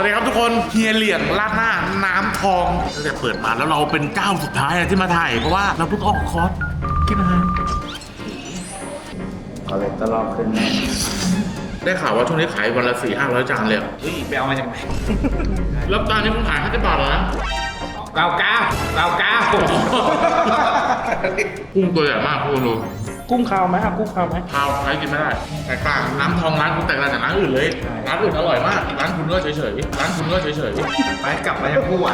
ดีครับทุกคนเฮียเหลี่ยงราดหน้าน้ำทองตั้งแต่เปิดมาแล้วเราเป็นเจ้าสุดท้ายที่มาถ่ายเพราะว่าเราเพิ่งออกคอร์สกินอาหารคอเลสเตอรอลขึ้นแน่ได้ข่าวว่าช่วงนี้ขายวันละ400-500 จานเลยเฮ้ยไปเอามาจากไหนแล้วจานนี้ผมขาย50 บาทแล้วนะ 99 กุ้งตัวใหญ่มากคุณดูกุ้งขาวไหมครับกุ้งขาวไหมขาวใช้กินไม่ได้แตกต่างน้ำทองร้านคุณแตกต่างจากร้านอื่นเลยร้านอื่นอร่อยมากร้านคุณก็เฉยๆร้านคุณก็เฉยๆไปกลับมายังกู้อ่ะ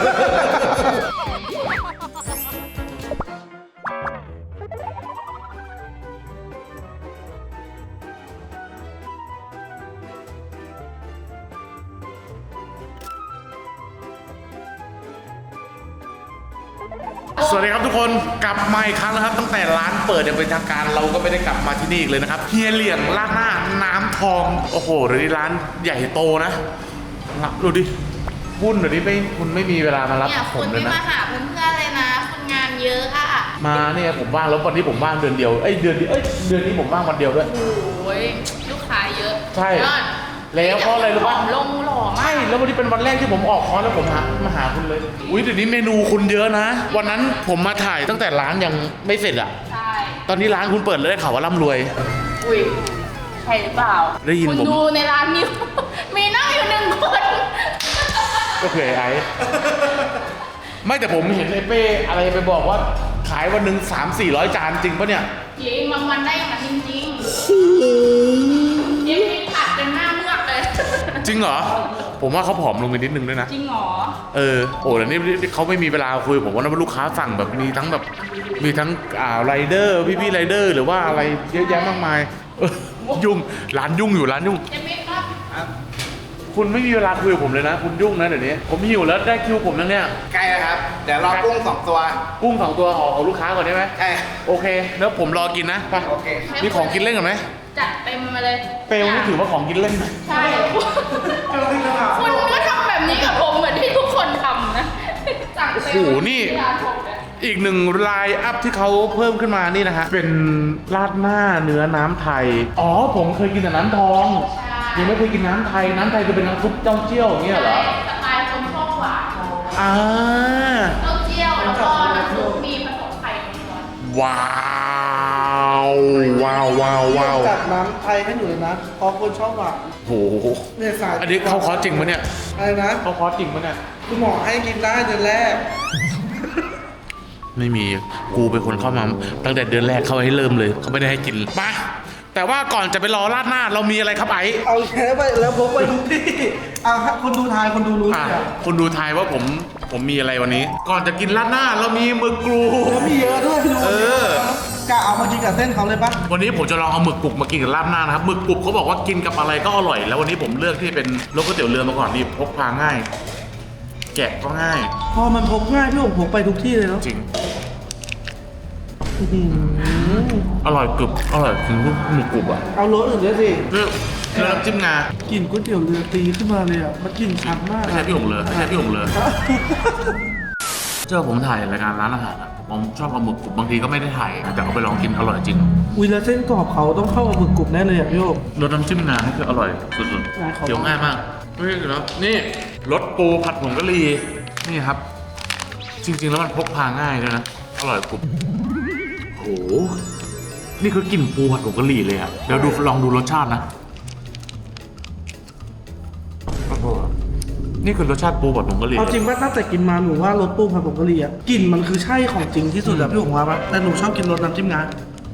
สวัสดีครับทุกคนกลับมาอีกครั้งนะครับตั้งแต่ร้านเปิดอย่างเป็นทางการเราก็ไม่ได้กลับมาที่นี่อีกเลยนะครับเฮียเหลี่ยงราดหน้าน้ำทองโอ้โหเดี๋ยวนี้ร้านใหญ่โตนะดูดิคุณเดี๋ยวนี้คุณไม่มีเวลามารับผมเลยนะคุณไม่มาหาเพื่อนๆเลยนะคุณงานเยอะอะมาเนี่ยผมว่างแล้ววันนี้ผมว่างเดือนเดียวเดือนนี้ผมว่างวันเดียวด้วยโอ้ยลูกค้าเยอะใช่แล้วเพราะอะไรรู้ป่ะลงหล่อมากใช่แล้ววันนี้เป็นวันแรกที่ผมออกคอร์สแล้วผมมาหาคุณเลยอุ้ยเดี๋ยวนี้เมนูคุณเยอะนะวันนั้นผมมาถ่ายตั้งแต่ร้านยังไม่เสร็จอ่ะใช่ตอนนี้ร้านคุณเปิดเลยได้ข่าวว่าร่ำรวยอุ้ยใช่หรือเปล่าได้ยินผมดูในร้านนี้มีนั่งอยู่1 คนก็คือไอ้ไม่แต่ผมเห็นไอ้เป้อะไรไปบอกว่าขายวันหนึ่ง300-400 จานจริงปะเนี่ยจริงบางวันได้อย่างนั้นจริงๆยังมีผัดจนหน้าเมือกเลยจริงเหรอผมว่าเขาผอมลงไปนิดนึงด้วยนะจริงเหรอโอ้แต่นี่เขาไม่มีเวลาคุยผมว่าลูกค้าสั่งแบบมีทั้งไรเดอร์พี่ไรเดอร์หรือว่าอะไรเยอะแยะมากมายยุ่งร้านยุ่งอยู่ร้านยุ่งคุณไม่มีเวลาคุยกับผมเลยนะคุณยุ่งนะเดี๋ยวนี้ผมหิวแล้วได้คิวผมแล้วเนี่ยใกล้แล้วครับเดี๋ยวรอกุ้ง2 ตัวกุ้ง2 ตัวของลูกค้าก่อนได้ไหมใช่โอเคแล้วผมรอกินนะไปโอเคมีของกินเล่นกันไหมจัดเต็มมาเลยเปลนี่ถือว่าของกินเล่นใช่คุณก็ทำแบบนี้กับผมเหมือนที่ทุกคนทำนะสั่งเต็มโอ้โหนี่อีก1ไลน์อัพที่เขาเพิ่มขึ้นมานี่นะฮะเป็นราดหน้าเนื้อน้ำไทยผมเคยกินแต่น้ำทองยังไม่เคยกินน้ำไทยคือเป็นน้ำซุปเจ้าเจี้ยวอย่างเงี้ยเหรอสไตล์คนชอบหวานเจ้าเจี้ยวแล้วก็น้ำซุปมีผสมไข่ว้าวจัดน้ำไทยให้หนูเลยนะเพราะคนชอบหวานโอ้โหอันนี้เขาคอร์สจริงปะเนี่ยอะไรนะเขาคอร์สจริงปะเนี่ยคุณหมอให้กินได้เดือนแรกไม่มีกูเป็นคนเข้ามาตั้งแต่เดือนแรกเขาให้เริ่มเลยเขาไม่ได้ให้กินมาแต่ว่าก่อนจะไปรอราดหน้าเรามีอะไรครับไอ้เอาแค่ไปแล้วพกไปทุกที่คนดูทายคนดูรู้คนดูทายว่าผมมีอะไรวันนี้ก่อนจะกินราดหน้าเรามีหมึกกรูมีเยอะด้วยดูกะเอามากินกับเส้นเขาเลยปะวันนี้ผมจะลองเอาหมึกกรุบมากินกับราดหน้านะครับหมึกกรุบเขาบอกว่ากินกับอะไรก็อร่อยแล้ววันนี้ผมเลือกที่เป็นรสก๋วยเตี๋ยวเรือมาก่อนนี่พกพาง่ายแกะก็ง่ายพอมันพกง่ายพี่ผมพกไปทุกที่เลยเนาะจริงอร่อยกรึบอร่อยถึงหมึกกรุบอ่ะเอารสอื่นด้วยสิเนื้อน้ำจิ้มงากินก๋วยเตี๋ยวเรือตีขึ้นมาเลยอ่ะมันกลิ่นชัดมากไม่ใช่พี่หงเลยเจ้าผมถ่ายรายการร้านอาหารผมชอบเอาหมึกกรุบบางทีก็ไม่ได้ถ่ายแต่เอาไปลองกินอร่อยจริงแล้วเส้นกรอบเขาต้องเข้ากับหมึกกรุบแน่เลยอ่ะพี่โอ๊รสน้ำจิ้มงานี่คืออร่อยสุดๆเดี๋ยวง่ายมากนี่รสปูผัดผงกะหรี่นี่ครับจริงๆแล้วมันพกพาง่ายด้วยนะอร่อยกรุบโอ้โหนี่คือกลิ่นปูผัดผงกะหรี่เลยอ่ะเดี๋ยวลองดูรสชาตินะนี่คือรสชาติปูผัดผงกะหรี่เอาจริงว่าตั้งแต่กินมาหนูว่ารสปูผัดผงกะหรี่อ่ะกลิ่นมันคือใช่ของจริงที่สุดอะพี่หงว่าปะแต่หนูชอบกินรสน้ำจิ้มงา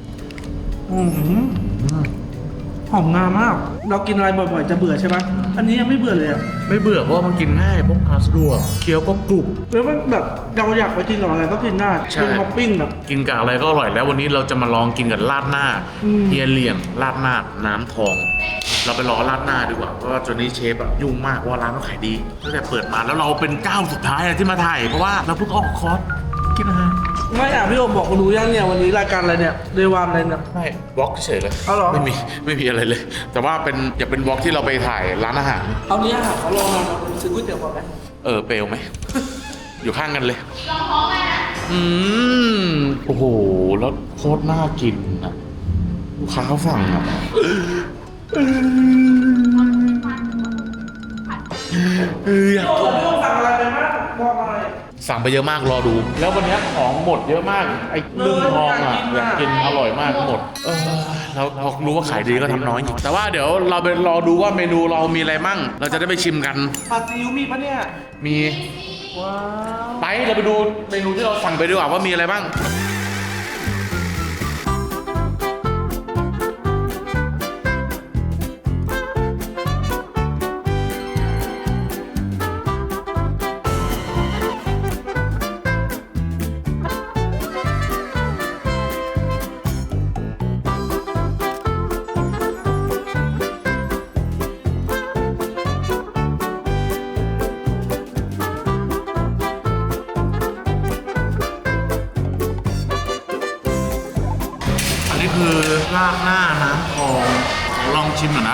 หอมงามากเรากินอะไรบ่อยๆจะเบื่อใช่ไหมอันนี้ยังไม่เบื่อเลยอะไม่เบื่อเพราะมันกินง่ายพกพาสะดวกเคี้ยวก็กรุบแล้วมันแบบเราอยากไปกินกับอะไรก็กินได้เป็นท็อปปิ้งแบบกินกับอะไรก็อร่อยแล้ววันนี้เราจะมาลองกินกับราดหน้าเฮียเหลี่ยงราดหน้าน้ำทองเราไปรอราดหน้าดีกว่าเพราะว่าจนนี้เชฟอะยุ่งมากเพราะว่าร้านเขาขายดีตั้งแต่เปิดมาแล้วเราเป็นเจ้าสุดท้ายที่มาถ่ายเพราะว่าเราเพิ่งออกคอร์สกินอาหารไม่พี่โอมบอกรู้ยังเนี่ยวันนี้รายการอะไรเนี่ยเดวานอะไรเนี่ยไม่บล็อกเฉยเลยไม่มีอะไรเลยแต่ว่าอย่าเป็นบล็อกที่เราไปถ่ายร้านอาหารเอาเนี้ยค่ะเขาลองมาซื้อก๋วยเตี๋ยวก่อนไหมเปลวไหมอยู่ข้างกันเลยลองท้องเลยนะโอ้โหแล้วโคตรน่ากินนะลูกค้าเขาสั่งอ่ะพี่โอ่งสั่งอะไรไปบ้างบอกหน่อยสั่งไปเยอะมากรอดู แล้ววันนี้ของหมดเยอะมากไอ้เรื่องทองอ่ะอยากกินอร่อยมากหมดเรารู้ว่าขายดีก็ทำน้อยจริงแต่ว่าเดี๋ยวเราไปรอดูว่าเมนูเรามีอะไรมั่งเราจะได้ไปชิมกันผัดซีอิ๊วมีปะเนี่ยมีว้าวไปเราไปดูเมนูที่เราสั่งไปดีกว่าว่ามีอะไรบ้างนี่คือราดหน้าน้ำทองขอลองชิมหน่อยนะ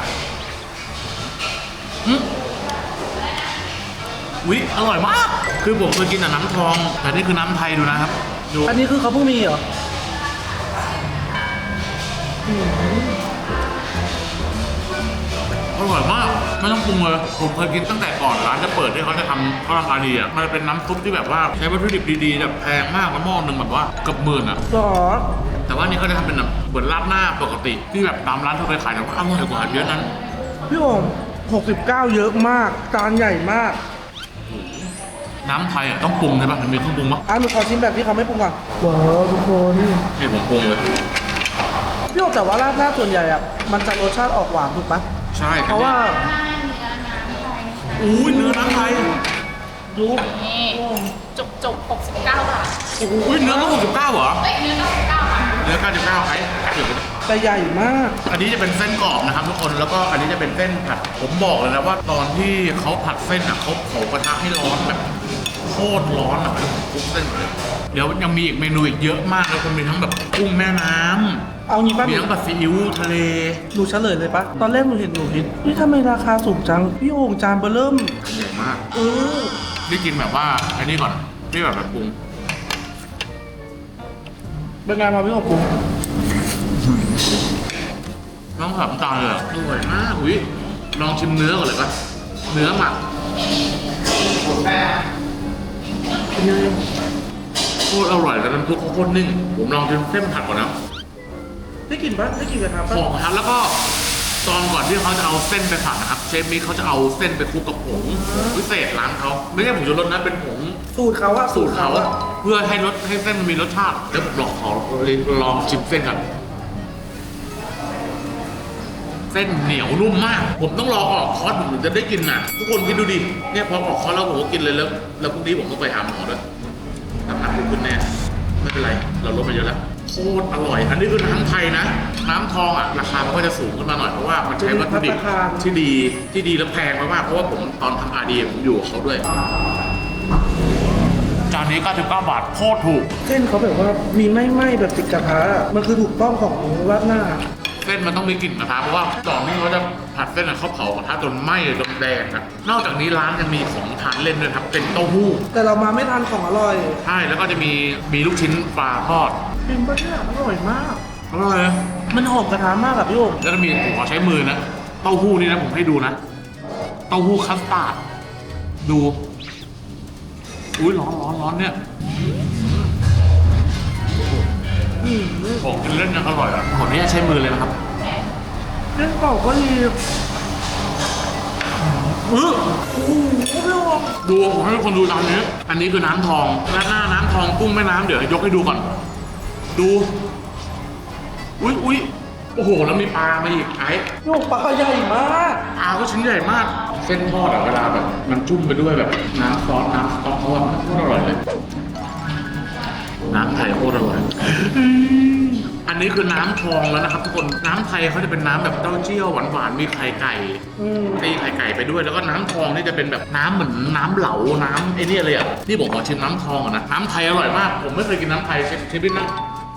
อุ๊ยอร่อยมาก คือผมเคยกินแต่น้ำทอง แต่นี่คือน้ำไทยดูนะครับดูอันนี้คือเขาเพิ่งมีเหรออร่อยมากไม่ต้องปรุงเลยผมเคยกินตั้งแต่ก่อนร้านจะเปิดที่เขาจะทำข้าวราคาดีอ่ะมันเป็นน้ำซุปที่แบบว่าใช้วัตถุดิบดีๆแบบแพงมากแล้วหม้อหนึ่งแบบว่าเกือบหมื่นอ่ะหรอแต่ว่านี่เขาจะทำเป็นแบบเหมือนราดหน้าปกติที่แบบตามร้านทั่วไปขายแต่ว่าอร่อยกว่าเยอะนั้นพี่โอ่ง69 เยอะมาก จานใหญ่มากน้ำไทยอ่ะต้องปรุงใช่ปะมันมีเครื่องปรุงปะหนูขอชิมแบบที่เขาไม่ปรุงก่อนว้าวทุกคนนี่ผมปรุงเลยพี่โอ่งแต่ว่าราดหน้าส่วนใหญ่อะมันจะรสชาติออกหวานถูกปะใช่เพราะว่าอุ้ยเนื้อน้ำไทยดูนี่จบ69 บาทอุ้ยเนื้อต้อง69เหรอเอ้ยเนื้อ99 บาทเนื้อ99ไอ้ถือแต่ใหญ่มากอันนี้จะเป็นเส้นกรอบนะครับทุกคนแล้วก็อันนี้จะเป็นเส้นผัดผมบอกเลยนะว่าตอนที่เขาผัดเส้นอ่ะเขาเผากระทะให้ร้อนแบบโคตรร้อนอ่ะแล้วผมคลุกเส้นเลยเดี๋ยวยังมีอีกเมนูอีกเยอะมากเลยคุณมีทั้งแบบกุ้งแม่น้ำเอางี้ป่ะมีทั้งแบบซีอิ๊วทะเลหนูเฉลยเลยปะตอนแรกหนูเห็นนี่ทำไมราคาสูงจัง พี่โอ่งจานเบอร์เริ่มใหญ่มากเออนี่กินแบบว่าอันนี้ก่อนนี่แบบปรุงเป็นไงมาพี่โอ่งปรุงน้องผัดน้ำตาลเลยอะอร่อยมากอุ้ยลองชิมเนื้อก่อนเลยปะเนื้อหมักเป็นไงโคตรอร่อยแต่น้ำซุปเขาโคตรนิ่งผมลองชิมเส้นผัดก่อนนะได้กลิ่นปะได้กลิ่นกระทะหปะอมครับแล้วก็ตอนก่อนที่เขาจะเอาเส้นไปผัดนะครับเชฟมิกเขาจะเอาเส้นไปคลุกกับผงพิเศษร้านเขาไม่ใช่ผงชูรสนะเป็นผงสูตรเขาอะสูตรเขาอะเพื่อให้รสให้เส้นมันมีรสชาติเดี๋ยวผมลองชิมเส้นกันเส้นเหนียวนุ่มมาก ผมต้องรอออกคอร์สผมถึงจะได้กินน่ะ ทุกคนคิดดูดิเนี่ยพอออกคอร์สแล้วผมก็กินเลยแล้วพรุ่งนี้ผมต้องไปหาหมอด้วยน้ำหนักผมขึ้นแน่ไม่เป็นไรเราลดมาเยอะแล้วโคตรอร่อย อันนี้คือน้ำไทยนะ น้ำทองอ่ะราคามันก็จะสูงขึ้นมาหน่อยเพราะว่ามันใช้วัตถุดิบที่ดีและแพงมากๆเพราะว่าผมตอนทำอาดีผมอยู่กับเขาด้วยจานนี้99 บาทโคตรถูกเส้นเขาแบบว่ามีไหม้ๆแบบติดกระทะอะมันคือถูกต้องของราดหน้าเส้นมันต้องมีกลิ่นกระทะเพราะว่าก่อนที่เขาจะผัดเส้นอะเขาเผากระทะจนไหม้จนแดงนะนอกจากนี้ร้านยังมีของทานเล่นด้วยครับเป็นเต้าหู้แต่เรามาไม่ทันของอร่อยใช่แล้วก็จะมีลูกชิ้นปลาทอดจริงปะเนี่ยอร่อยมากอร่อยมันหอมกระทะมากอะพี่โอ่งแล้วก็มีผมขอใช้มือนะเต้าหู้นี่นะผมให้ดูนะเต้าหู้คัสตาร์ดดูอุ้ยร้อนเนี่ยของกินเล่นยังอร่อยอ่ะขออนุญาตใช้มือเลยนะครับเส้นกรอบก็ดีโอ้โหพี่โอ่งดูผมให้ทุกคนดูร้านนี้อันนี้คือน้ำทองราดหน้าน้ำทองกุ้งแม่น้ำเดี๋ยวยกให้ดูก่อนดูอุ้ยโอ้โหแล้วมีปลามาอีกไอ้พี่โอ่งปลาใหญ่มากปลาก็ชิ้นใหญ่มาก เส้นทอดอะเวลาแบบมันจุ่มไปด้วยแบบน้ำซอสน้ำสต๊อกเขาอะโคตรอร่อยเลยน้ำไทยโคตรอร่อยอันนี้คือน้ำทองแล้วนะครับทุกคนน้ำไทยเขาจะเป็นน้ำแบบเต้าเจี้ยวหวานๆมีไข่ไก่ ตีไข่ไก่ไปด้วยแล้วก็น้ำทองนี่จะเป็นแบบน้ำเหมือนน้ำเหลาน้ำไอ้นี่เลยอ่ะนี่ผมขอชิมน้ำทองก่อนนะน้ำไทยอร่อยมากผมไม่เคยกินน้ำไทยเชฟบิ๊กนะ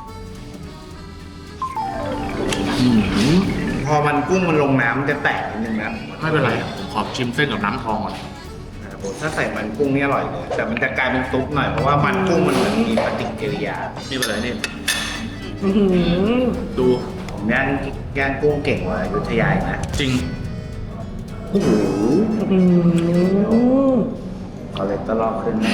พอมันกุ้งมันลงน้ำจะแตกนิดนึงนะไม่เป็นไรผมขอชิมเส้นกับน้ำทองก่อนนะครับผมถ้าใส่มันกุ้งนี่อร่อยเลย แต่มันจะกลายเป็นซุปหน่อยเพราะว่ามันกุ้งมันเหมือนมีปฏิกิริยานี่เป็นไรนี่อื้อหือดูผมย่างกุ้งเก่งกว่าอยุธยาอีกนะจริงโอ้โหอืมคอเลสเตอรอลขึ้นแน่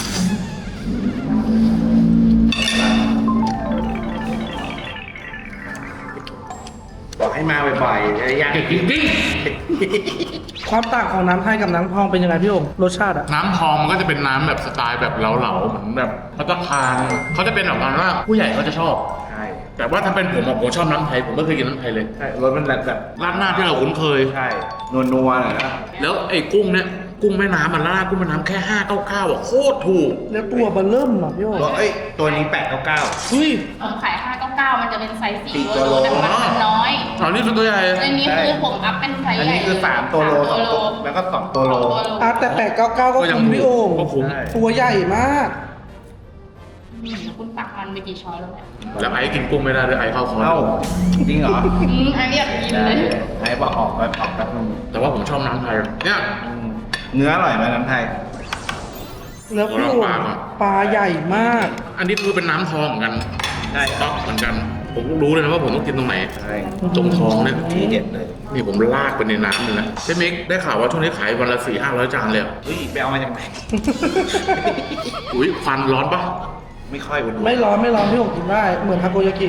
บอกให้มาบ่อยๆจะยากจริงความต่างของน้ำไทยกับน้ำพองเป็นยังไงพี่โอ่งรสชาติอะน้ำทองมันก็จะเป็นน้ำแบบสไตล์แบบเหลาๆเหมือนแบบพัตตาคารเขาจะเป็นแบบนั้นว่าผู้ใหญ่เขาจะชอบใช่แต่ว่าถ้าเป็นผมอะผมชอบน้ำไทยผมไม่เคยกินน้ำไทยเลยใช่รสมันแบบราดหน้าที่เราคุ้นเคยใช่นัวๆหน่อยนะแล้วไอ้กุ้งเนี่ยกุ้งแม่น้ำมันราดกุ้งแม่น้ำแค่599อ่ะโคตรถูกแล้วตัวเบลเริ่มอะพี่โอ่งตัวนี้899 เฮ้ยผมขาย 599 มันจะเป็นไซส์สี่ 4 ตัวโลแต่มันน้อยอ๋อนี่คือตัวใหญ่อันนี้คือผมอัพเป็นไซส์อันใหญ่นี้คือ3ตัวโลสาม 2ตัวแล้วก็2ตัวโลอ่ะแต่899ก็คุ้มพี่โอ่งก็คุ้มใช่ตัวใหญ่มากคุณตักมันไปกี่ช้อนแล้วเนี่ยแล้วไอ้กินกุ้งไม่ได้ด้วยไอ้เข้าคอเอ้าจริงเหรออันนี้อยากกินเลยไอ้บอกออกแป๊บนึงแต่ว่าผมชอบน้ำไทยเนี่ยเนื้ออร่อยไหมน้ำไทยแล้วพี่โอ่งปลาใหญ่มากอันนี้คือเป็นน้ำทองเหมือนกันใช่สต๊อกเหมือนกัน ผมรู้เลยนะว่าผมต้องกินตรงไหนใช่ตรงท้องเนี่ยที่เด็ดเลยนี่ผมลากไปในน้ำเลยนะเชฟมิกได้ข่าวว่าช่วงนี้ขายวันละ400-500 จานเลยเหรอเฮ้ยไปเอามาจากไหนอุ้ยควันร้อนปะไม่ค่อยอุ่นไม่ร้อนพี่โอ่งกินได้เหมือนทาโกยากิ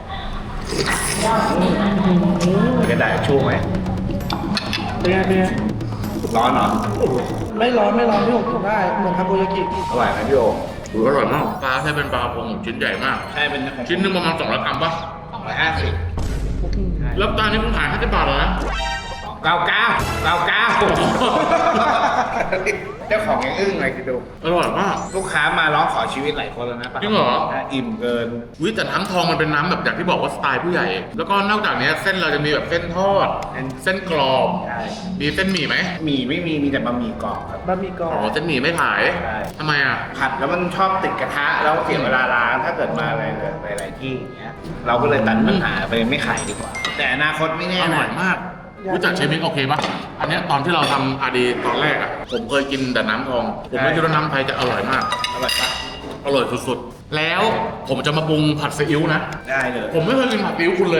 กระดาษชูไหมเป็นไงเป็นไงร้อนเหรอไม่ร้อนพี่โอ่งกินได้เหมือนทาโกยากิอร่อยไหมพี่โออุ้ยอร่อยมากปลาใช้เป็นปลาพงชิ้นใหญ่มากใช่เป็นของชิ้นหนึงประมาณ200 กรัมปะ 250 แล้วตอนนี้คุณขาย50 บาทเหรอนะ 99เจ้าของยังอึ้งเลยคิดดูอร่อยมากลูกค้ามาร้องขอชีวิตหลายคนแล้วนะจริงเหรออิ่มเกินอุ้ยแต่ทั้งทองมันเป็นน้ำแบบอย่างที่บอกว่าสไตล์ผู้ใหญ่ แล้วก็นอกจากนี้เส้นเราจะมีแบบเส้นทอด เส้นกรอบใช่มีเส้นหมี่ไหมหมี่ไม่มีแต่บะหมี่กรอบครับบะหมี่กรออ๋อบ เส้นหมี่ไม่ขายใช่ทำไมอ่ะผัดแล้วมันชอบติดกระทะแล้วเสียเวลาล้างถ้าเกิดมาอะไรหลายๆที่อย่างเงี้ยเราก็เลยตัดปัญหาไปไม่ขายดีกว่า แต่อนาคตไม่แน่อร่อยนะมากรู้จักเชฟมิกโอเคปะอันเนี้ยตอนที่เราทำอาดีตอนแรกอ่ะ ผมเคยกินแต่น้ำทอง ผมไม่คิดว่าน้ำไทยจะอร่อยมากอร่อยปะอร่อยสุดๆ แล้วผมจะมาปรุงผัดซีอิ๊วนะได้เลยผมไม่เคยกินผัดซีอิ๊วคุณเลย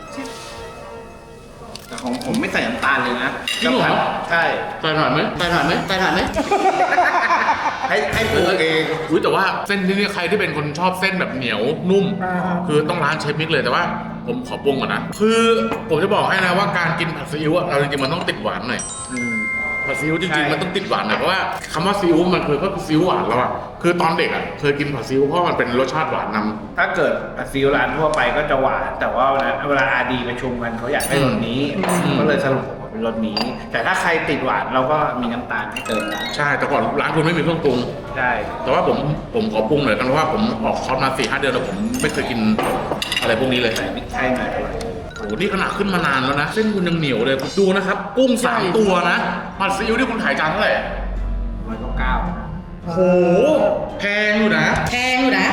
แต่ของผมไม่ใส่น้ำตาลเลยนะจริงเหรอใช่ใส่หน่อยไหมใส่หน่อยไหมใส่หน่อยไหมให้ปรุงเองอุ้ยแต่ว่าเส้นที่นี่ใครที่เป็นคนชอบเส้นแบบเหนียวนุ่ม คือต้องร้านเชฟมิกเลยแต่ว่าผมขอปรุงก่อนนะ คือผมจะบอกให้นะว่าการกินผัดซีอิ๊วอะเราจริงๆมันต้องติดหวานหน่อยอืมผัดซีอิ๊วจใช่ริงๆมันต้องติดหวานหน่อยเพราะว่าคำว่าซีอิ๊วมันคือก็คือซีอิ๊วหวานแล้วอะคือตอนเด็กอะเคยกินผัดซีอิ๊วเพราะมันเป็นรสชาติหวานนำถ้าเกิดซีอิ๊วร้านทั่วไปก็จะหวาน แต่ว่าเวลาอาดีประชุมกันเขาอยากให้รสนี้ ก็เลยสรุปออกมาเป็นรสนี้ แต่ถ้าใครติดหวานเราก็มีน้ำตาลให้เติมได้ใช่แต่ก่อนร้านคุณไม่มีเครื่องปรุงใช่แต่ว่าผมขอปรุงหน่อยกันเพราะว่าผมออกคอร์สมา4-5 เดือนแล้วผมไม่เคยกินอะไรพวกนี้เลยใส่พริกไทยหน่อยอร่อยโอ้โหนี่ขนาดขึ้นมานานแล้วนะ เส้นคุณยังเหนียวเลยดูนะครับ กุ้ง3 ตัวนะผัดซีอิ๊วที่คุณขายจานเท่าไหร่ 199 โอ้โหแพงอยู่นะแพงอยู่นะ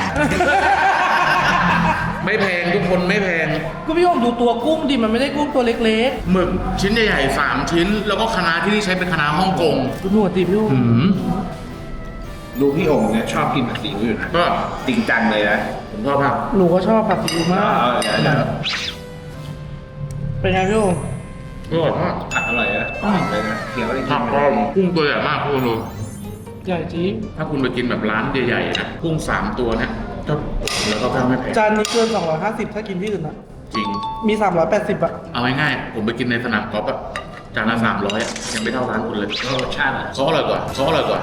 ไม่แพงทุกคนไม่แพงก็พี่โอ่งดูตัวกุ้งดิมันไม่ได้กุ้งตัวเล็กหมึกชิ้นใหญ่ๆ3 ชิ้น แล้วก็คะน้าที่นี่ใช้เป็นคะน้าฮ่องกงๆดูหนวดดิพี่โอ่งหืมดูพี่โอ่งเนี่ยชอบกินผัดซีอิ๊วอยู่นะก็จริงจังเลยนะผมชอบมากหนูก็ชอบผัดซีอิ๊วมากเดี๋ยวเป็นไงพี่โอ่งอร่อยมากผัดอร่อยนะกรอบเลยนะเคี้ยวได้กิผันกก็กุ้งตัวใหญ่มากคุณดูใหญ่จริงถ้าคุณไปกินแบบร้านใหญ่ๆนะกุ้ง3 ตัวเนี่ยก็แล้วก็ไม่แพงจานนี้เกิน250ถ้ากินที่อื่นอะจริงมี380อะเอาง่ายๆผมไปกินในสนามกอล์ฟอะจานละ300อะยังไม่เท่าร้านคุณเลยรสชาติอ่ะเขาอร่อยกว่าเขาอร่อยกว่า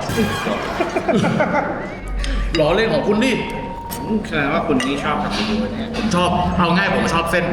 ล้อเล่นของคุณดิแสดงว่าคุณนี่ชอบผัดซีอิ๊วเนี่ยผมชอบเอาง่ายผมชอบเส้น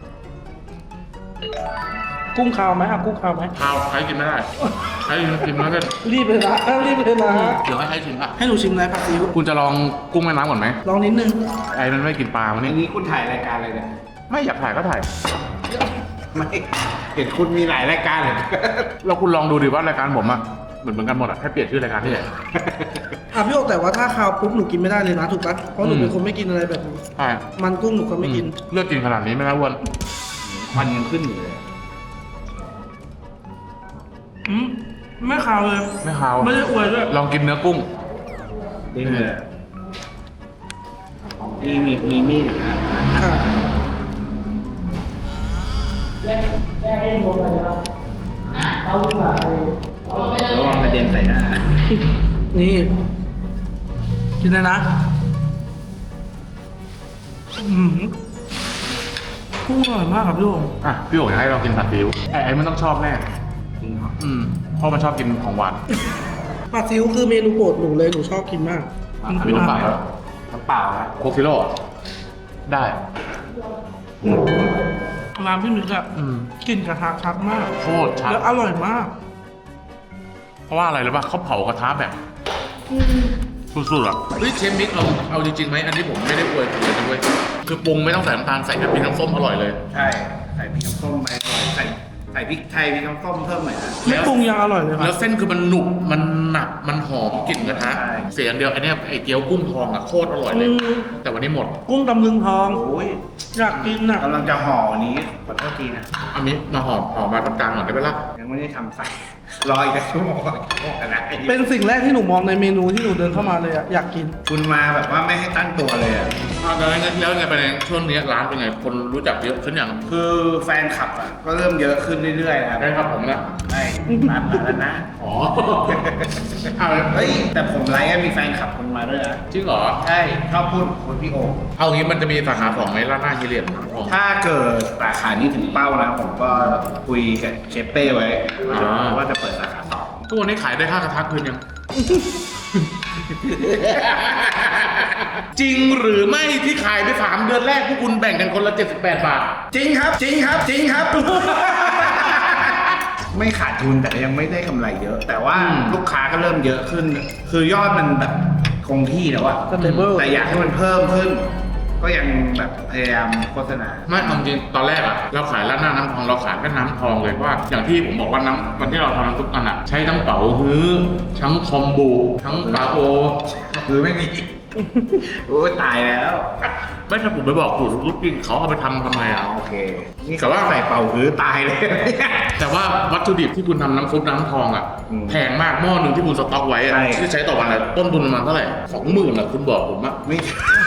กุ้งคาวไหมอ่ะกุ้งคาวไหมข้าวใครกินไม่ได้ใครกินไม่ได้รีบเลยนะรีบเลยนะเดี๋ยวให้ใครชิมอ่ะให้หนูชิมอะไรผัดซีอิ๊วคุณจะลองกุ้งแม่น้ำก่อนไหมลองนิดนึงไอ้มันไม่กินปลาวันอันี้นนี้คุณถ่ายรายการอะไรเนี่ยไม่อยากถ่ายก็ถ่ายไม่เห็นคุณมีหลายรายการเลยแล้วคุณลองดูดิว่ารายการผมอะเหมือนกันหมดอะแค่เปลี่ยนชื่อรายการที่ไหนอ่ะพี่โอ๊คแต่ว่าถ้าคาวปุ๊บหนูกินไม่ได้เลยนะถูกปะเพราะหนูเป็นคนไม่กินอะไรแบบนี้ใช่มันกุ้งหนูก็ไม่กินเลือกกินขนาดนี้ไม่น่าอ้วนควันยังขึ้นอยู่เลยไม่คาวเลยไม่คาวไม่ได้อวยด้วยลองกินเนื้อกุ้งดิ้นเลยมีมีดอยู่นะค่ะเอาดีกว่าระวังกระเด็นใส่หน้านี่กินเลยนะกุ้งอร่อยมากครับพี่โอ๋อ่ะพี่โอ๋อยากให้เรากินผัดซีอิ๊วไอ้มันต้องชอบแน่จริงเหรอเพราะมันชอบกินของหวานปลาซิวคือเมนูโปรดหนูเลยหนูชอบกินมากพี่โอ๋สั่งแล้วน้ำเปล่านะโคกซิโร่ได้ร้านพี่มิกอะกลิ่นกระทะชัดมากโคตรชัดแล้วอร่อยมากเพราะว่าอะไรรู้ป่ะเขาเผากระทะแบบสุดๆอ่ะเฮ้ยเชฟมิกเอาจริงๆไหมอันนี้ผมไม่ได้อวยคุณเลยนะเว้ยคือปรุงไม่ต้องใส่น้ำตาลใส่แต่พริกน้ำส้มอร่อยเลยใช่ ใส่พริกน้ำส้มไปหน่อยใส่พริกไทยพริกน้ำส้มเพิ่มหน่อยนะไม่ปรุงยังอร่อยเลยคแล้รับวเส้นคือมันหนุบมันหนักมันหอมกลิ่นกระทะใช่เสียอย่างเดียวไอ้เนี่ยไอ้เกี๊ยวกุ้งทองอ่ะโคตรอร่อยเลย แต่วันนี้หมดกุ้งตำลึงทองโอ้ยอยากกินอ่ะกำลังจะห่ออันนี้ขอโทษทีนะอันนี้มาหอมมาตรงกลางหน่อยได้ไหมล่ะยังไม่ได้ทำใส่รออีกชั่วโมงนะเป็นสิ่งแรกที่หนูมองในเมนูที่หนูเดินเข้ามาเลยอะอยากกินคุณมาแบบว่าไม่ให้ตั้งตัวเลยอะแล้วไงไปในช่วงนี้ร้านเป็นไงคนรู้จักเยอะขึ้นอย่างคือแฟนคลับอ่ะก็เริ่มเยอะขึ้นเรื่อยๆนะครับได้ครับผมนะใช่ร้านมาแล้วนะอ๋อเอาเฮ้ยแต่ผมไลฟ์มีแฟนคลับคนมาด้วยนะจริงเหรอใช่ชอบพูดคนพี่โอเอางี้มันจะมีสาขา2ไหมร้านหน้าฮิเลียนอ๋อถ้าเกิดสาขานี้ถึงเป้านะผมก็คุยกับเชฟเป้ไว้ว่าจะเปิดสาขา2 ทุกวันนี้ขายได้ค่ากระทะคืนยัง จริงหรือไม่ที่ขายไป3 เดือนแรกพวกคุณแบ่งกันคนละ78 บาทจริงครับ จริงครับ จริงครับ ไม่ขาดทุนแต่ยังไม่ได้กำไรเยอะ แต่ว่าอืมลูกค้าก็เริ่มเยอะขึ้น คือยอดมันแบบคงที่แล้วอะ Stable แต่อยากให้มันเพิ่มขึ้น ก็ยังแบบพยายามโฆษณาไม่เอาจริงตอนแรกอะเราขายร้านหน้าน้ำทองเราขายแค่น้ำทองเลยเพราะว่าอย่างที่ผมบอกว่าน้ำวันที่เราทำน้ำซุปกันอะใช้ทั้งเป๋าฮื้อทั้งคอมบูทั้งปลาโอคือไม่มี โอ้ยตายแล้วไม่ถ้าผมไปบอกสูตรลูกจริงเขาเอาไปทำไมอะโอเค นี่แต่ว่าใส่เป่าหือตายเลยแต่ว่าวัตถุดิบที่คุณทำน้ำซุปน้ำทองอะอืมแพงมากหม้อหนึ่งที่คุณสต็อกไว้อะใช่ที่ใช้ต่อวันอะต้นทุนประมาณเท่าไหร่20,000อะคุณบอกผมอะไม่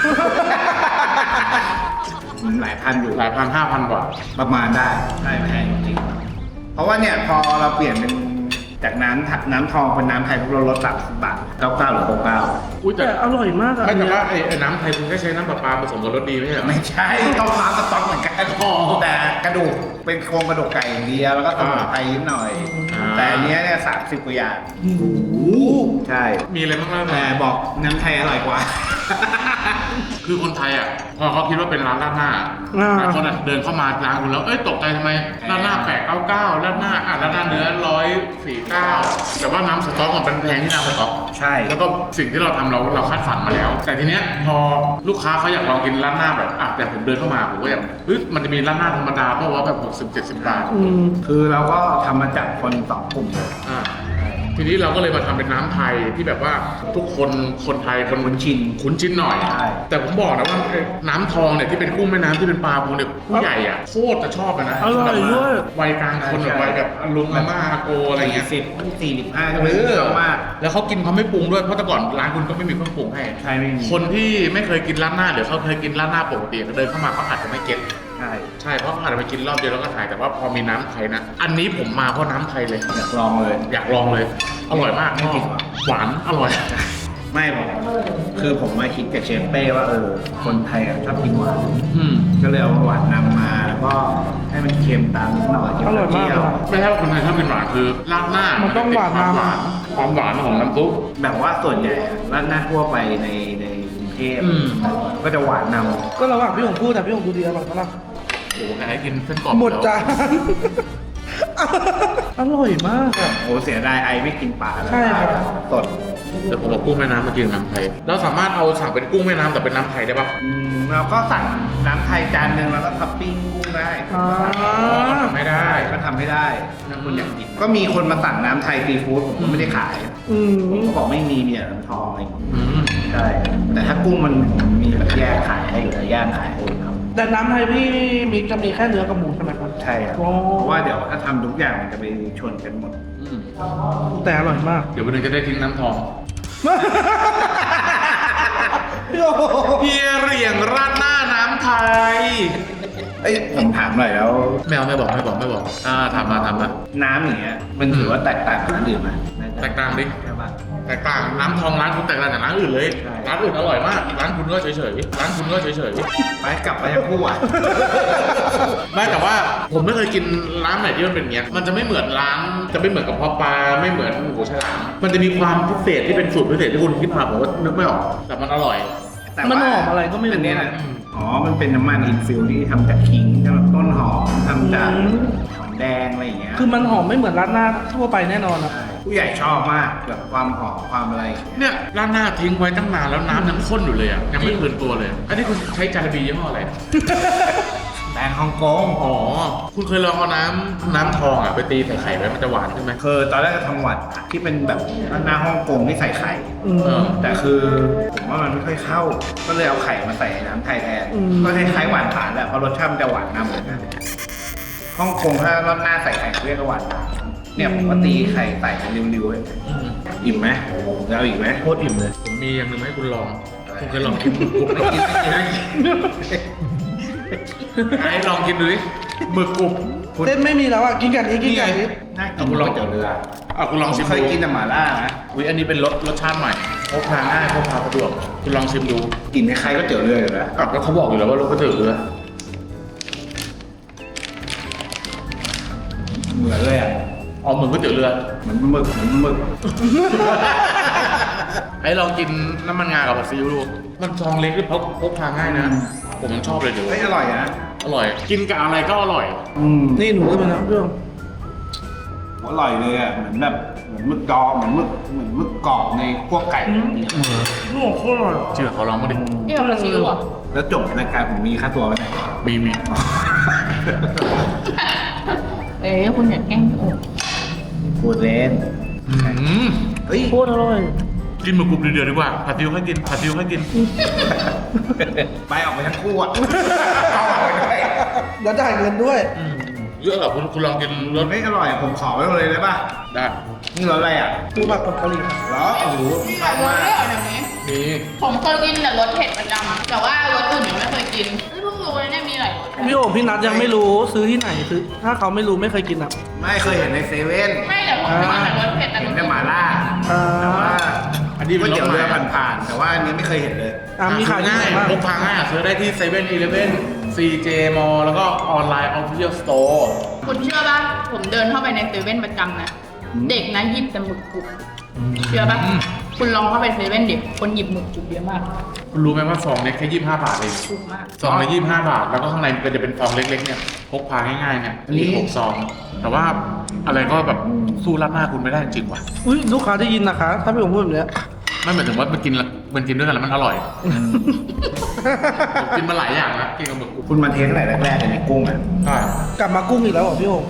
หลายพันอยู่หลายพัน5,000 กว่าประมาณได้ใช่แพงจริงๆเพราะว่าเนี่ยพอเราเปลี่ยนเป็นจากน้ำทองเป็นน้ำไทยพวกเราลด30 บาท99หรือ69 อุ้ยแต่แต่อร่อยมากอะไม่แต่ว่าไอ้น้ำไทยคุณแค่ใช้น้ำประปาผสมกับรสดีไม่ใช่เหรอไม่ใช่ต้องพาสต๊อกเหมือนกันอ๋อแต่กระดูกเป็นโครงกระดูกไก่อย่างเดียวแล้วก็สมุนไพรนิดหน่อยอ่าแต่อันเนี้ยเนี่ย30 กว่าอย่างโอ้โหใช่มีอะไรบ้างแต่บอกน้ำไทยอร่อยกว่าคือคนไทยอ่ะพอเขาคิดว่าเป็นร้านราดหน้าแต่คนอ่ะเดินเข้ามาร้านคุณแล้วเอ้ยตกใจทำไมราดหน้า899ราดหน้าราดหน้าเนื้อ149แต่ว่าน้ำสต๊อกมันเป็นแพงที่น้ำสต๊อกใช่แล้วก็สิ่งที่เราทำเราคัดสรรมาแล้ว แต่ทีเนี้ยพอลูกค้าเขาอยากลองกินร้านหน้าแบบแต่ผมเดินเข้ามาผมก็อยากเฮ้ยมันจะมีร้านหน้าธรรมดาเพราะว่าแบบ60-70 บาทคือเราก็ทำมาจากคน2 กลุ่มเลยอ่าทีนี้เราก็เลยมาทำเป็นน้ำไทยที่แบบว่าทุกคนไทยคนคุ้นชินหน่อยใช่แต่ผมบอกนะว่าน้ำทองเนี่ยที่เป็นกุ้งแม่น้ำที่เป็นปลาพวกเนี่ยผู้ใหญ่อ่ะโคตรจะชอบเลยนะอร่อยด้วยวัยกลางคนแบบวัยแบบลุงอาม่าอาโกอะไรเงี้ย 45ก็ไม่เยอะมากแล้วเขากินเขาไม่ปรุงด้วยเพราะแต่ก่อนร้านคุณก็ไม่มีเครื่องปรุงให้ใช่ไม่มีคนที่ไม่เคยกินร้านหน้าหรือเขาเคยกินร้านหน้าปกติเขาเดินเข้ามาเขาอาจจะไม่เก็ตใช่ใช่เพราะเขาอาจจะไปกินรอบเดียวแล้วก็ถ่ายแต่ว่าพอมีน้ำไทยนะอันนี้ผมมาเพราะน้ำไทยเลยอยากลองเลยอยากลองเลย อร่อยมากไม่จริงเหรอหวานอร่อยไม่ผมคือผมมาคิดกับเชฟเป้ว่าคนไทยอะชอบกินหวานอืมก็เลยเอาหวานนำมาแล้วก็ให้มันเค็มตามนิดหน่อยเค็มอร่อยมากเปรี้ยวครับไม่ใช่ว่าคนไทยชอบกินหวานคือราดหน้ามันต้องหวานความหมาวาก นความหวานของน้ำซุปแบบว่าส่วนใหญ่อะร้านหน้าทั่วไปในกรุงเทพอืมก็จะหวานนก็ระหว่างพี่หงพูดแต่พี่หงดูดีอร่อยมากโอ้โหไหนกินเส้นกรอบหมดจาน อร่อยมากอะำโอ้เสียดายไอไม่กินปลาแล้วใช่ครับสดเดี๋ยวผมเอากุ้งแม่น้ำมากินน้ำไทยเราสามารถเอาสั่งเป็นกุ้งแม่น้ำแต่เป็นน้ำไทยได้ปะเราก็สั่งน้ำไทยจานหนึ่งแล้วก็ท็อปปิ้งกุ้งได้อ่าไม่ได้ก็ทำให้ได้ถ้าคุณอยากกินก็มีคนมาสั่งน้ำไทยซีฟู้ดผมก็ไม่ได้ขายอืมผมก็บอกไม่มีเนี่ยน้ำทองอะไรอย่างเงี้ยอืมใช่แต่ถ้ากุ้งมันผมมีแบบแยกขายให้หรือย่างขายให้ครับแต่น้ำไทยพี่มิกจะมีแค่เนื้อกับหมูใช่ไหมครับใช่ครับโอ้เพราะว่าเดี๋ยวถ้าทำทุกอย่างมันจะไปชนกันหมดอืมแต่อร่อยมากเดี๋ยววันหนึงจะได้ทิ้งน้ำทองพี่โอ้โหเฮียเหรียงราดหน้าน้ำไทยเอ้ยผมถามหน่อยแล้วไม่บอกถามมาน้ำอย่างเงี้ยมันถือว่าแตกต่างกับร้านอื่นไหมแตกต่างดิใช่ปะแตกต่างน้ำทองร้านคุณแตกต่างจากร้านอื่นเลยใช่ร้านอื่นอร่อยมาก ร้านคุณก็เฉยๆร้านคุณก็เฉยไปกลับไปยังคู่อ่ะๆไม่แต่ว่าผมไม่เคยกินร้านไหนที่มันเป็นอย่างเงี้ยมันจะไม่เหมือนร้านจะไม่เหมือนกับพ่อปลาไม่เหมือนหมูฉลามมันจะมีความพิเศษที่เป็นสูตรพิเศษที่คุณคิดมาผมว่านึกไม่ออกแต่มันอร่อยแต่มันว่าหอมอะไรก็ไม่รู้อันเนี้ยนะอ๋อมันเป็นน้ำมันอินฟิลที่ทำจากขิงทำจากต้นหอมทำจากหอมแดงอะไรอย่างเงี้ยคือมันหอมไม่เหมือนร้านหน้าทั่วไปแน่นอนอ่ะผู้ใหญ่ชอบมากแบบความหอมความอะไรเนี่ยร้านหน้าทิ้งไว้ตั้งนานแล้วน้ำยังข้นอยู่เลยอ่ะยังไม่คืนตัวเลย อันนี้คุณใช้จาระบียี่ห้ออะไรแบรนด์ฮ่องกงอ๋อคุณเคยลองเอาน้ำทองอ่ะไปตีใส่ไข่ไว้มันจะหวานใช่ไหมคือตอนแรกจะทำหวัดที่เป็นแบบหน้าฮ่องกงที่ใส่ไข่อืมเออแต่คือผมว่ามันไม่ค่อยเข้า ก็เลยเอาไข่มาใส่น้ำไทยแทนอืมก็คล้ายๆหวานผานแหละเพราะรสชาติมันจะหวานนำเหมือนกันฮ่องกงถ้ารอบหน้าใส่ไข่เขาเรียกว่าหวานผานเนี่ยผมก็ตีไข่ใส่เป็นริ้วๆเลยอิ่มไหมแล้วอีกไหมโคตรอิ่มเลยผมมีอย่างหนึ่งให้คุณลองคุณเคยลองกินหมึกกรุบไหมให้ลองกินดูดิหมึกกรุบเส้นไม่มีแล้วอ่ะกินกันนี้กินกันนี้น่ากินก๋วยเตี๋ยวเรือคุณลองชิมเคยดูกินแต่หม่าล่านะอุ้ยอันนี้เป็นรสชาติใหม่พกพาง่ายพกพาสะดวกคุณลองชิมดูกินคล้ายๆก๋วยเตี๋ยวเรืออยู่แล้วแล้วเขาบอกอยู่แล้วว่ารสก๋วยเตี๋ยวเรือเหมือนเลยอ่ะอ๋อเหมือนก๋วยเตี๋ยวเรือเหมือนหมึกเหมือนหมึกไอ้ลองกินน้ำมันงากับผัดซีอิ๊วดูมันซองเล็กด้วยพกพาง่ายนะผมยังชอบเลยเดี๋ยวเฮ้ยอร่อยนะอร่อย กินกับอะไรก็อร่อยนี่หนูขึ้นมาแล้วเรื่องอร่อยเลยอ่ะเหมือนแบบเหมือนหมึกดองเหมือนหมึกกรอบในพวกไก่โอ้โหโคตรอร่อยเชื่อเขาลองมาดิเดี๋ยวเราซิวอ่ะแล้วจบรายการผมมีค่าตัวไหมมีเอ๊ะคุณอย่าแกล้งโอ้พูดเล่นอืมเฮ้ยโคตรอร่อยกินหมึกกรุบเดือดๆดีกว่าผัดซีอิ๊วให้กินผัดซีอิ๊วให้กินไปออกไปทั้งคู่อ่ะเอาออกไปด้วยแล้วจ่ายเงินด้วยเยอะเหรอคุณลองกินรสไม่อร่อยผมขอไว้เลยได้ป่ะได้นี่รสอะไรอ่ะปูผัดกับกะหรี่ครับเหรอโอ้โหมีแบบรสด้วยเหรอเดี๋ยวนี้มีผมเคยกินแต่รสเผ็ดประจำแต่ว่ารสอื่นยังไม่เคยกินเพิ่งรู้เลยเนี่ยมีหลายรสพี่โอ๋พี่นัทยังไม่รู้ซื้อที่ไหนซื้อถ้าเขาไม่รู้ไม่เคยกินอ่ะไม่เคยเห็นในเซเว่นไม่แต่ผมมาแต่รสเผ็ดแต่เห็นรสแต่หม่าล่าอ่าแต่ว่าอันนี้ก๋เป็วยนรเตี๋สยวใหเรือม่ผ่านๆแต่ว่าอันนี้ไม่เคยเห็นเลยมีขายที่ง่าไหนยบ้างพกพาง่ายซื้อได้ที่7-11 CJ Mall แล้วก็ออนไลน์ Official Store คุณเชื่อป่ะผมเดินเข้าไปในเซเว่นประจำนะเด็กนะหยิบแต่หมึกกรุบเชื่อป่ะคุณลองเข้าไปเซเว่นเด็กคนหยิบหมึกกรุบเยอะมากคุณรู้ไหมว่าซองเล็กแค่25 บาทเองถูกมากซองละ25 บาท แล้วก็ข้างในมันจะเป็นซองเล็กๆเนี่ยพกพาง่ายๆเนี่ยมี6ซอง แต่ว่าอะไรก็แบบสู้รับหน้าคุณไม่ได้จริงๆว่ะอุ้ยลูกค้าได้ยินนะคะ ถ้าพี่โอ๋พูดแบบเนี้ยไม่หมายถึงว่ามันกินด้วยกันแล้วมันอร่อยผมกินมาหลายอย่างแล้วกินกับหมึกกรุบคุณมาเทสไหนแรกๆในกุ้งอ่ะใช่กลับมากุ้งอีกแล้วเหรอพี่โอ๋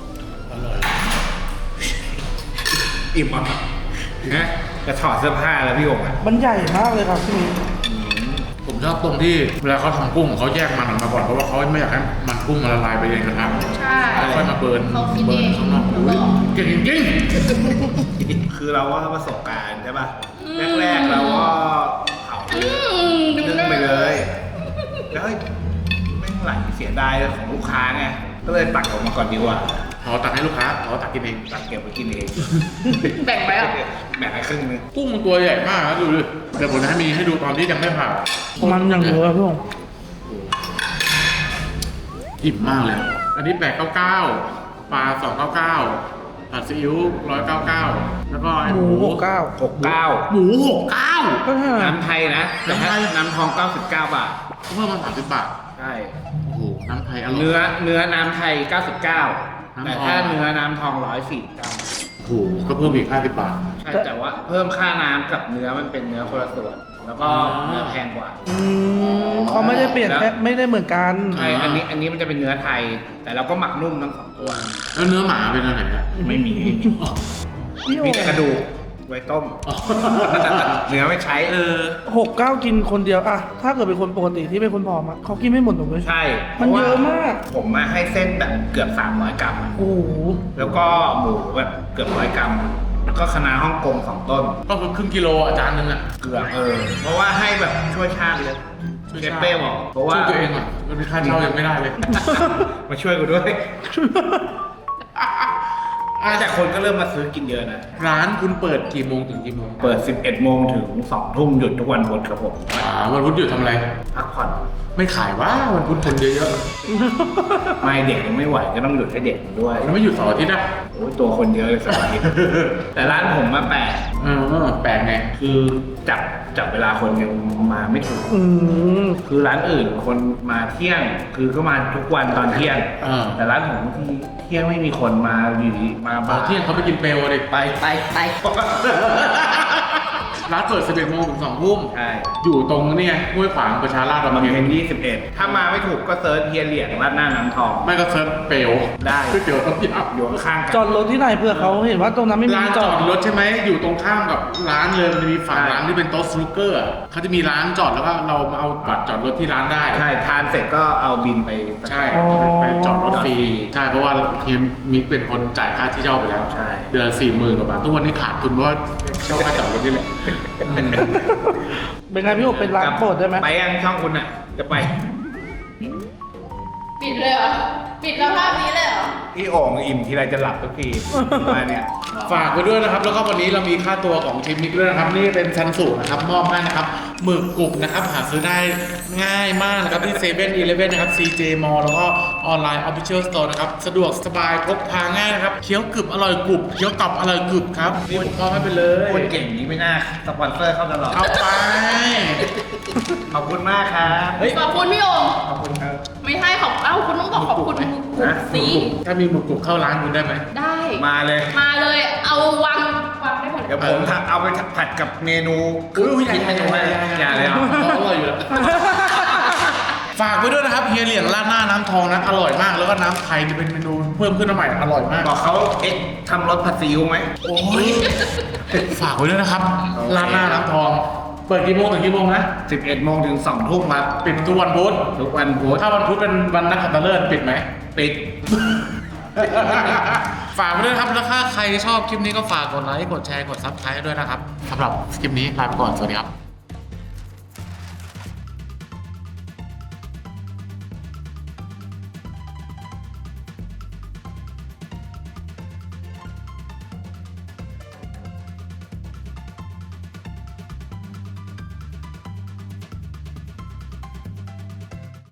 อิ่มอ่ะนะจะถอดเสื้อผ้าแล้วพี่โอ่งอ่ะมันใหญ่มากเลยครับพี่มิ้นผมชอบตรงที่เวลาเขาทำกุ้งเขาแยกมันออกมาก่อนเพราะว่าเขาไม่อยากให้มันกุ้งมันละลายไปในกระทะใช่แล้วค่อยมาเบิร์นเขาคิดเบิเอร์นงข้างนอกแล้วก็เก่งจริงคือเราว่าประสบการณ์ใช่ป่ะแรกๆเราก็เผานึ่งไปเลยแล้วเฮ้ยไม่ไหลเสียดายของลูกค้าไงก็เลยตักออกมาก่อนดีกว่าเขาตักให้ลูกค้าเขาตักกินเองตักเก็บไว้กินเองแบ่งไว้อ่ะแบ่งให้ครึ่งนึงกุ้งมันตัวใหญ่มากนะดูดิเดี๋ยวผมจะให้ดูตอนที่ยังไม่ผ่ามันอย่างเยอะพี่โอ๋อิ่มมากเลย อันนี้899ปลา299ผัดซีอิ๊ว199แล้วก็ไอ้หมู69 69 หมู69 ก็ใช่น้ำไทยนะแต่ถ้าน้ำทอง99 บาทเพิ่มมา30 บาทใช่โอ้โหน้ำไทยอร่อยเนื้อน้ำไทย 99 แต่ถ้าเนื้อน้ำทอง149 โอ้โหก็เพิ่มอีก50 บาทใช่แต่ว่าเพิ่มค่าน้ำกับเนื้อมันเป็นเนื้อคนละส่วน แล้วก็เนื้อแพงกว่าเขาไม่ได้เปลี่ยนแค่ไม่ได้เหมือนกันใช่อันนี้มันจะเป็นเนื้อไทย แต่เราก็หมักนุ่มทั้งสองตัวแล้วเนื้อหมาเป็นอะไรนะไม่มีพี่โอ๋มีแต่กระดูกไว้ต้ม เนื้อไม่ใช้ 69 กินคนเดียวอะถ้าเกิดเป็นคนปกติที่เป็นคนผอมอะเขากินไม่หมดหรอกเลยใช่มันเยอะมากผมมาให้เส้นแบบเกือบ300 กรัมอะโอ้โหแล้วก็หมูแบบเกือบ100 กรัม แล้วก็คะน้าฮ่องกง2 ต้นก็คือครึ่งกิโลอาจารย์นึงอ่ะเกือบเพราะว่าให้แบบช่วยชาติเลยช่วยเชฟเป้บอกเพราะว่าช่วยตัวเองอ่ะมันเป็นค่าเช่ายังไม่ได้เลยมาช่วยกูด้วยแต่คนก็เริ่มมาซื้อกินเยอะนะร้านคุณเปิดกี่โมงถึงกี่โมงเปิด 11 โมงถึง 2 ทุ่มหยุดทุกวันพุธครับผมวันพุธหยุดทำอะไรพักผ่อนไม่ขายว่าวันพุธคนเยอะไม่เด็กยังไม่ไหวก็ต้องหยุดให้เด็กด้วยๆแล้วไม่หยุดเสาร์อาทิตย์อ่ะโอ้ยตัวคนเยอะเลยสัปดาห์นี้ แต่ร้านผมมาแปลกแปลกไงคือจับเวลาคนยังมาไม่ถูกอืมคือร้านอื่นคนมาเที่ยง คือก็มาทุกวันตอนเที่ยงอ่าแต่ร้านผมบางทีเที่ยงไม่มีคนมาอยู่ดีมาตอบ่าน ยเที่ยงเขาไปกินเปลวเลยไปร้านเปิด 11 โมงถึง 2 ทุ่มใช่อยู่ตรงเนี่ยห้วยขวางประชาราษฎร์บางบำเพเพ็ญน21 ถ้ามาไม่ถูกก็เซิร์ชเฮียเหลียงร้านหน้าน้ำทองไม่ก็เซิร์ชเปลวได้ก๋วยเตี๋ยวต้มยอยู่ข้างๆกันจอดรถที่ไหนเพื่อเขาเห็นว่าตรงนั้นไม่ำมีร้านจจออดดรถใช่ไหมอยู่ตรงข้ามกับร้านเลยมันจะมีฝั่งใช่ร้านที่เป็นโต๊ะสนุกเกอร์อะเขาจะมีร้านจอดแล้วก็เรามาเอาบัตรจอดรถที่ร้านได้ใช่ทานเสร็จก็เอาบินไปใช่ไปจอดรถฟรีใช่เพราะว่าทีมมิกเป็นคนจ่ายค่าที่เช่าไปแล้วใช่เดือน40,000 กว่าบาททุกวันนี้ขาดทุนเพราะว่าเช่าค่าจอดรถนี่แหละเป็นไงพี่โอเป็นร้านโปรดได้ไหมไปยังช่องคุณอ่ะ จะไปปิดเลยเหรอ ปิดแล้วภาพนี้เลยเหรอพี่โอ่งอิ่มทีไรจะหลับทุกทีมาเนี่ยฝากไว้ด้วยนะครับ แล้วก็วันนี้เรามีค่าตัวของทีมมิกด้วยนะครับ นี่เป็นชั้นสูงนะครับมอบให้นะครับหมึกกรุบนะครับ หาซื้อได้ง่ายมากนะครับที่7-Eleven นะครับ CJ Mall แล้วก็ออนไลน์ Official Store นะครับ สะดวกสบายพกพาง่ายนะครับเคี้ยวกรึบอร่อยกรุบเคี้ยวกรอบอร่อยกรึบครับนี่ผมก็ให้ไปเลยคนเก่งนี้ไม่น่าสปอนเซอร์เข้าตลอดเอาไปขอบคุณมากครับขอบคุณพี่โองค์ขอบคุณครับไม่ใช่ขอบคุณต้องบอกขอบคุณมึงนะสิถ้ามีหมึกกรุบเข้าร้านคุณได้ไหมได้มาเลยมาเลย เอาวางได้หมดเดี๋ยวผมเอาไปผัดกับเมนู คิดเมนูให้อย่าเลยเหรออร่อยอยู่แล้ว ฝากไว้ด้วยนะครับเฮียเหลียงราดหน้าน้ำทองนะอร่อยมากแล้วก็น้ำไทยจะเป็นเมนูเพิ่มขึ้นมาใหม่อร่อยมากบอกเขาทำรสผัดซีอิ๊วไหมโอ้ยฝากไว้ด้วยนะครับราดหน้าน้ำทอง เปิดกี่โมงถึงกี่โมงนะ 11 โมงถึง 2 ทุ่มครับปิดทุกวันพุธทุกวันพุธถ้าวันพุธเป็นวันนักขัตฤกษ์ปิดไหมปิดฝากไว้ด้วยนะครับแล้วถ้าใครชอบคลิปนี้ก็ฝากกดไลค์กดแชร์กดซับสไครต์ด้วยนะครับสำหรับคลิปนี้ลาไปก่อนสวัสดีครับ